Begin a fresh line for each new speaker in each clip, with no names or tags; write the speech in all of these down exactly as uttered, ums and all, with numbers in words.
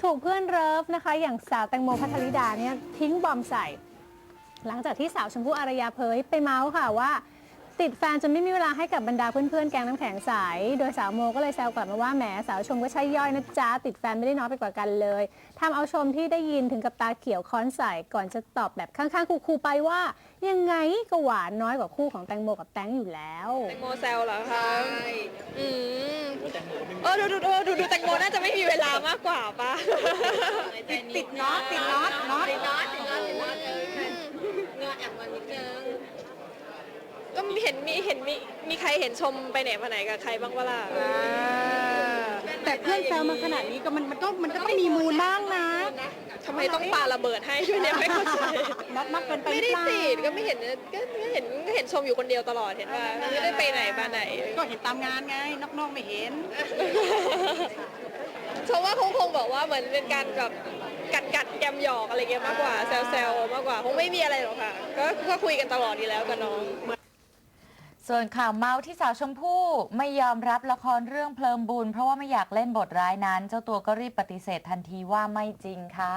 ถูกเพื่อนเลิฟนะคะอย่างสาวแตงโมพัทรธิดาเนี่ยทิ้งบอมใส่หลังจากที่สาวชมพู่อารยาเผยไปเมาส์ค่ะว่าติดแฟนจนไม่มีเวลาให้กับบรรดาเพื่อนๆแก๊งน้ำแข็งใสโดยสาวโมก็เลยแซวกลับมาว่าแหมสาวชมก็ใช่ย่อยนะจ๊ะติดแฟนไม่ได้น้อยไปกว่ากันเลยทำเอาชมที่ได้ยินถึงกับตาเขียวค้อนใส่ก่อนจะตอบแบบข้างๆคูๆไปว่ายังไงก็หวานน้อยกว่าคู่ของแตงโมกับแตงอยู่แล้ว
แตงโมแซวเหรอคะอืมเออดูดูดูดูดูแตงโมน่าจะไม่มีเวลามากกว่าปะ
ติดติดน็อตติดน็อตน็อต
ติดน็อตติดน็อตติดน็อตเงาแอบมันนิดนึงก็เห็นมีเห็นมีมีใครเห็นชมไปไหนมาไหนกับใครบ้างวะล่ะ
แต่เพื่อนแซวมาขนาดนี้ก็มันมันก็มันก็ต้องมีมูลบ้างนะ
ทำไมต้องปาระเบิดให้ด้วยเนี่ยไม่เข้าใจ
น็อตมากเกินไปห
ไม่
รือ
ได้
เปล่า
ติดก็ไม่เห็นก็ก็เห็นก็เห็นชมอยู่คนเดียวตลอดเห็นว่าไม่ได้ไปไหนมาไหน
ก็เห็นตามงานไงนอกๆไม่เห็น
ชมว่าคงคงบอกว่าเหมือนเป็นการแบบกัดกัดแกมหยอกอะไรเงี้ยมากกว่าแซวแซวมากกว่าคงไม่มีอะไรหรอกค่ะก็ก็คุยกันตลอดดีแล้วกับน้อง
ส่วนข่าวเมาส์ที่สาวชมพู่ไม่ยอมรับละครเรื่องเพลิงบุญเพราะว่าไม่อยากเล่นบทร้ายนั้นเจ้าตัวก็รีบปฏิเสธทันทีว่าไม่จริงค่ะ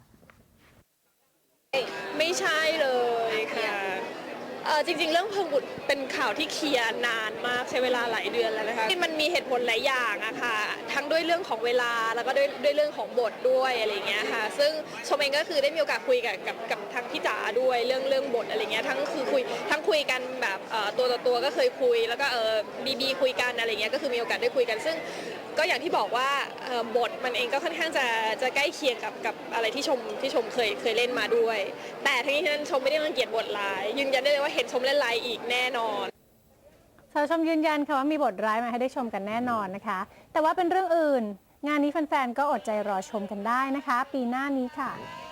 ไม่ใช่เลยค่ะเออจริงๆเรื่องเพลิงบุตรเป็นข่าวที่เคลียร์นานมากใช้เวลาหลายเดือนแล้วนะคะที่มันมีเหตุผลหลายอย่างอะค่ะทั้งด้วยเรื่องของเวลาแล้วก็ด้วยด้วยเรื่องของบทด้วยอะไรเงี้ยค่ะซึ่งชมเองก็คือได้มีโอกาสคุยกับกับกับทางพี่จ๋าด้วยเรื่องเรื่องบทอะไรเงี้ยทั้งคือคุยทั้งคุยกันแบบตัวต่อตัวก็เคยคุยแล้วก็เออบีบีคุยกันอะไรเงี้ยก็คือมีโอกาสได้คุยกันซึ่งก็อย่างที่บอกว่าบทมันเองก็ค่อนข้างจะจะใกล้เคียงกับกับอะไรที่ชมที่ชมเคยเคยเล่นมาด้วยแต่ทั้งนี้ทั้งนั้นชมไม่ได้รังเกียจบทร้ายยืนยันได้เลยว่าเห็นชมเล่นร้ายอีกแน่นอน
สาวชมยืนยันค่ะว่ามีบทร้ายมาให้ได้ชมกันแน่นอนนะคะแต่ว่าเป็นเรื่องอื่นงานนี้แฟนๆก็อดใจรอชมกันได้นะคะปีหน้านี้ค่ะ